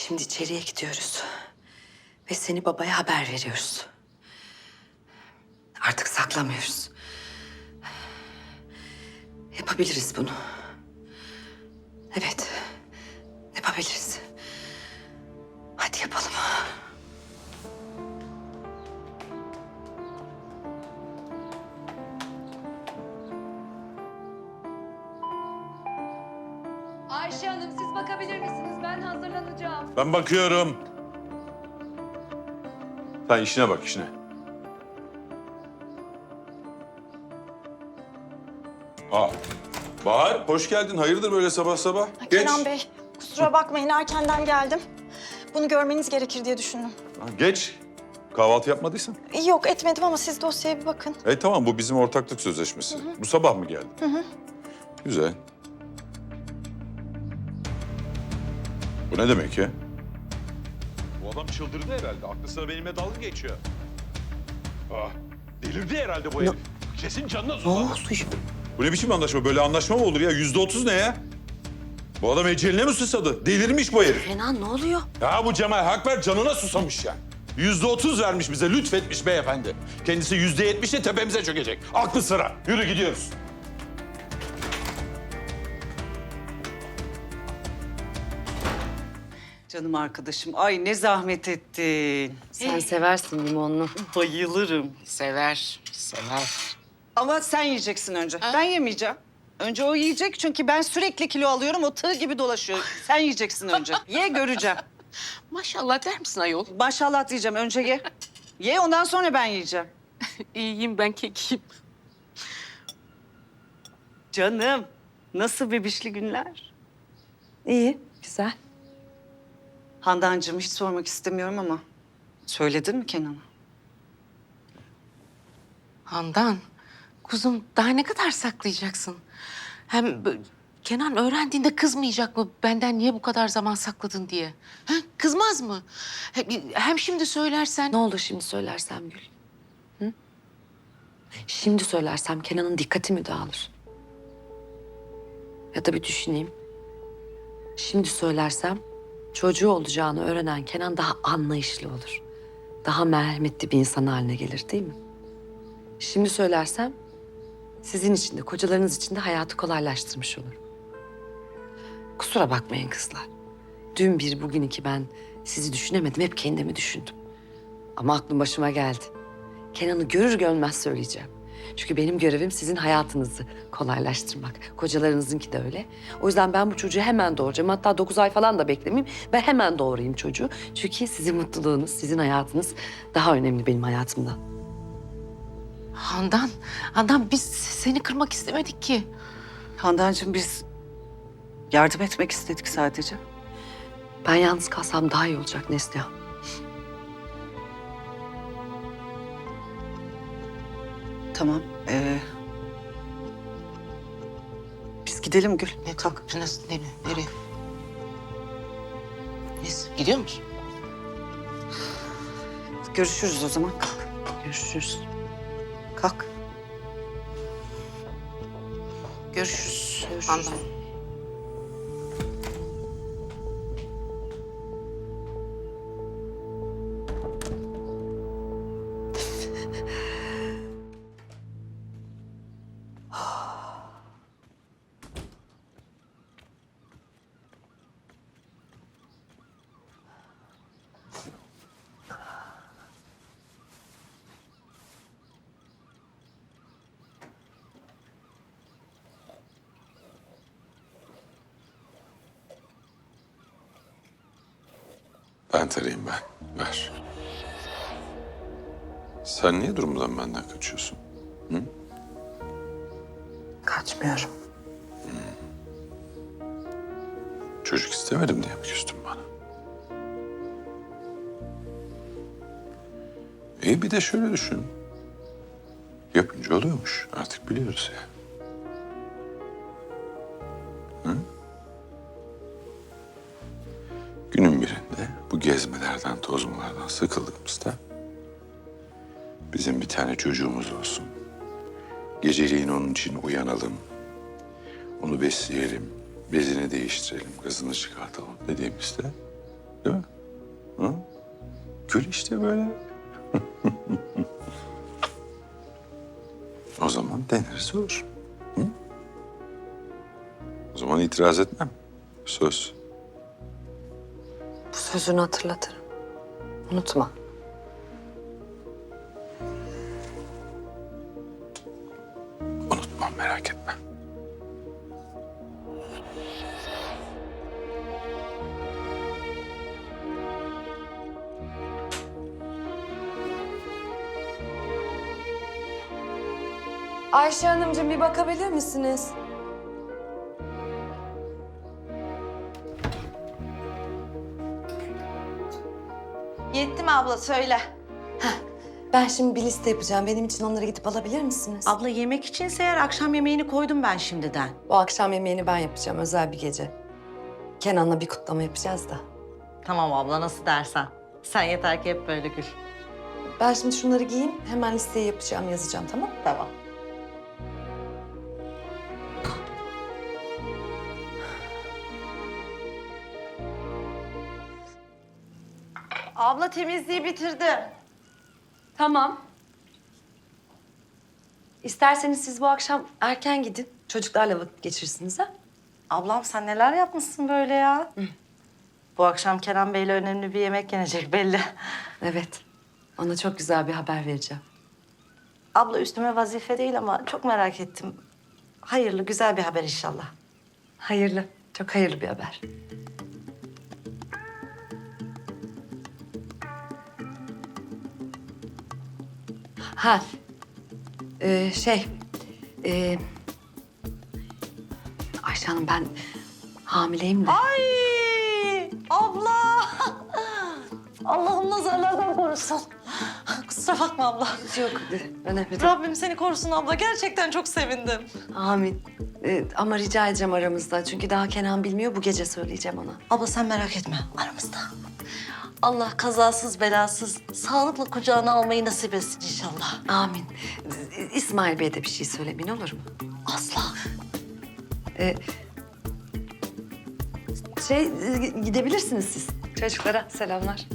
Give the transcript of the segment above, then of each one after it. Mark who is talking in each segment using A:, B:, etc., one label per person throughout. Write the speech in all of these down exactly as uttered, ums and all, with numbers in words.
A: Şimdi içeriye gidiyoruz. Ve seni babaya haber veriyoruz. Artık saklamıyoruz. Yapabiliriz bunu. Evet, yapabiliriz. Hadi yapalım.
B: Ayşe Hanım siz bakabilir misiniz? Ben hazırlanacağım.
C: Ben bakıyorum. Sen işine bak işine. Aa, Bahar hoş geldin. Hayırdır böyle sabah sabah? Geç.
D: Kenan Bey, kusura bakmayın erkenden geldim. Bunu görmeniz gerekir diye düşündüm.
C: Ha, geç. Kahvaltı yapmadıysan.
D: Yok etmedim ama siz dosyaya bir bakın.
C: E tamam bu bizim ortaklık sözleşmesi. Bu sabah mı geldin?
D: Hı hı.
C: Güzel. Bu ne demek ya? Bu adam çıldırdı herhalde. Aklı sıra benimle dalga geçiyor. Ah, delirdi herhalde bu herif. Kesin canına susadı. Bu ne biçim anlaşma? Böyle anlaşma mı olur ya? Yüzde otuz ne ya? Bu adam eceline mi susadı? Delirmiş bu herif.
A: Kenan ne oluyor?
C: Ya bu Cemal Hakver canına susamış ya. Yüzde otuz vermiş bize, lütfetmiş beyefendi. Kendisi yüzde yetmişle tepemize çökecek. Aklı sıra. Yürü gidiyoruz.
E: Canım arkadaşım, ay ne zahmet ettin.
A: Sen seversin limonlu.
E: Bayılırım.
F: Sever, sever.
E: Ama sen yiyeceksin önce. Ben yemeyeceğim. Önce o yiyecek çünkü ben sürekli kilo alıyorum. O tığ gibi dolaşıyor. Sen yiyeceksin önce. Ye göreceğim.
F: Maşallah der misin ayol?
E: Maşallah diyeceğim. Önce ye. Ye ondan sonra ben yiyeceğim.
F: İyiyim ben kekiyim.
E: Canım, nasıl bebişli günler?
A: İyi, güzel.
E: Handancığım hiç sormak istemiyorum ama söyledin mi Kenan'a?
F: Handan, kuzum daha ne kadar saklayacaksın? Hem b- Kenan öğrendiğinde kızmayacak mı benden niye bu kadar zaman sakladın diye? Ha, kızmaz mı? Hem, hem şimdi söylersen...
A: Ne olur şimdi söylersem Gül? Hı? Şimdi söylersem Kenan'ın dikkati mi dağılır? Ya da bir düşüneyim. Şimdi söylersem çocuğu olacağını öğrenen Kenan daha anlayışlı olur. Daha merhametli bir insan haline gelir değil mi? Şimdi söylersem sizin için de kocalarınız için de hayatı kolaylaştırmış olur. Kusura bakmayın kızlar. Dün bir bugün iki ben sizi düşünemedim. Hep kendimi düşündüm. Ama aklım başıma geldi. Kenan'ı görür görmez söyleyeceğim. Çünkü benim görevim sizin hayatınızı kolaylaştırmak. Kocalarınızınki de öyle. O yüzden ben bu çocuğu hemen doğuracağım. Hatta dokuz ay falan da beklemeyeyim. Ben hemen doğurayım çocuğu. Çünkü sizin mutluluğunuz, sizin hayatınız daha önemli benim hayatımdan.
F: Handan, Handan biz seni kırmak istemedik ki.
E: Handancığım biz yardım etmek istedik sadece.
A: Ben yalnız kalsam daha iyi olacak Neslihan.
E: Tamam. Ee, biz gidelim Gül.
F: Ne kalk? Nasıl? Nereye? Nereye? Biz gidiyor musun?
E: Görüşürüz o zaman. Kalk.
A: Görüşürüz.
E: Kalk.
F: Görüşürüz. Handan.
C: Ben tarayayım ben. Ver. Sen niye durumdan benden kaçıyorsun?
A: Kaçmıyorum.
C: Çocuk istemedim diye mi küstün bana? İyi bir de şöyle düşün. Yapınca oluyormuş. Artık biliyoruz ya. Hı? Günün birinde bu gezmelerden, tozmalardan sıkıldığımızda bizim bir tane çocuğumuz olsun. Geceliğin onun için uyanalım. Onu besleyelim, bezini değiştirelim, gazını çıkartalım dediğimizde Değil mi? Hı? Gül işte böyle. O zaman denirse olur. Hı? O zaman itiraz etmem. Söz.
A: Bu sözünü hatırlatırım. Unutma.
C: Unutmam, merak etme.
B: Ayşe Hanımcığım bir bakabilir misiniz?
D: Yetti mi abla söyle.
A: Ben şimdi bir liste yapacağım. Benim için onları gidip alabilir misiniz?
G: Abla yemek içinse eğer akşam yemeğini koydum ben şimdiden.
A: Bu akşam yemeğini ben yapacağım. Özel bir gece. Kenan'la bir kutlama yapacağız da.
G: Tamam abla nasıl dersen. Sen yeter ki hep böyle gül.
A: Ben şimdi şunları giyeyim. Hemen listeyi yapacağım, yazacağım, tamam?
G: Tamam. Abla temizliği bitirdi.
A: Tamam. İsterseniz siz bu akşam erken gidin. Çocuklarla vakit geçirirsiniz ha?
G: Ablam sen neler yapmışsın böyle ya? Bu akşam Kenan Bey'le önemli bir yemek yenecek belli.
A: Evet. Ona çok güzel bir haber vereceğim.
G: Abla üstüme vazife değil ama çok merak ettim. Hayırlı güzel bir haber inşallah.
A: Hayırlı. Çok hayırlı bir haber. Ha. Ee, şey. ee, Ayşe Hanım ben hamileyim de.
G: Ay abla. Allah'ım nazarlardan korusun. Kusura bakma abla.
A: Yok önemli değil.
G: Rabbim seni korusun abla. Gerçekten çok sevindim.
A: Amin. Ee, ama rica edeceğim aramızda. Çünkü daha Kenan bilmiyor. Bu gece söyleyeceğim ona.
G: Abla sen merak etme aramızda. Allah kazasız belasız sağlıkla kucağına almayı nasip etsin inşallah.
A: Amin. Ee, İsmail Bey'e de bir şey söylemeyin olur mu?
G: Asla.
A: Ee, şey e, gidebilirsiniz siz. Çocuklara selamlar.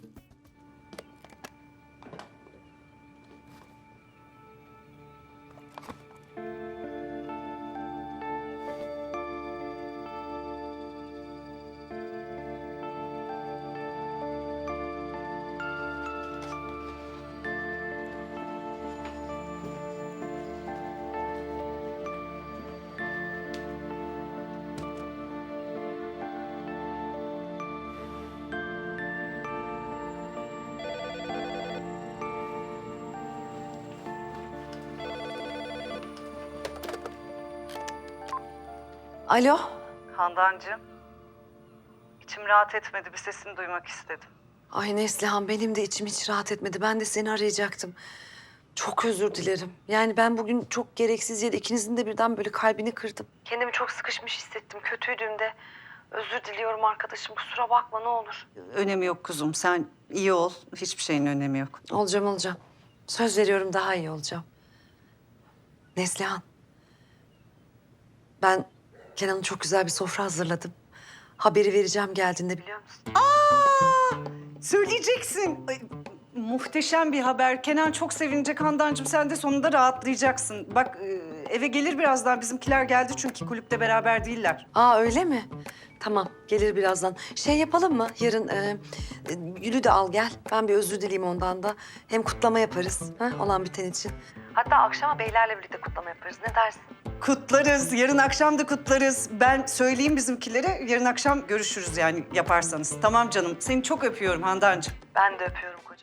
A: Alo.
E: Handancığım, içim rahat etmedi. Bir sesini duymak istedim.
A: Ay Neslihan benim de içim hiç rahat etmedi. Ben de seni arayacaktım. Çok özür dilerim. Yani ben bugün çok gereksiz yere ikinizin de birden böyle kalbini kırdım. Kendimi çok sıkışmış hissettim. Kötüydüm de. Özür diliyorum arkadaşım. Kusura bakma ne olur.
E: Önemi yok kuzum. Sen iyi ol. Hiçbir şeyin önemi yok.
A: Olacağım olacağım. Söz veriyorum daha iyi olacağım. Neslihan. Ben Kenan'a çok güzel bir sofra hazırladım. Haberi vereceğim geldiğinde biliyor musun?
E: Söyleyeceksin. Ay, muhteşem bir haber. Kenan çok sevinecek Handancığım. Sen de sonunda rahatlayacaksın. Bak e, eve gelir birazdan. Bizimkiler geldi çünkü kulüpte beraber değiller.
A: Aa öyle mi? Tamam gelir birazdan. Şey yapalım mı? Yarın e, e, Gül'ü de al gel. Ben bir özür dileyim ondan da. Hem kutlama yaparız ha, olan biten için. Hatta akşama beylerle birlikte kutlama yaparız. Ne dersin?
E: Kutlarız. Yarın akşam da kutlarız. Ben söyleyeyim bizimkilere. Yarın akşam görüşürüz yani yaparsanız. Tamam canım. Seni çok öpüyorum Handancığım.
A: Ben de öpüyorum kocacığım.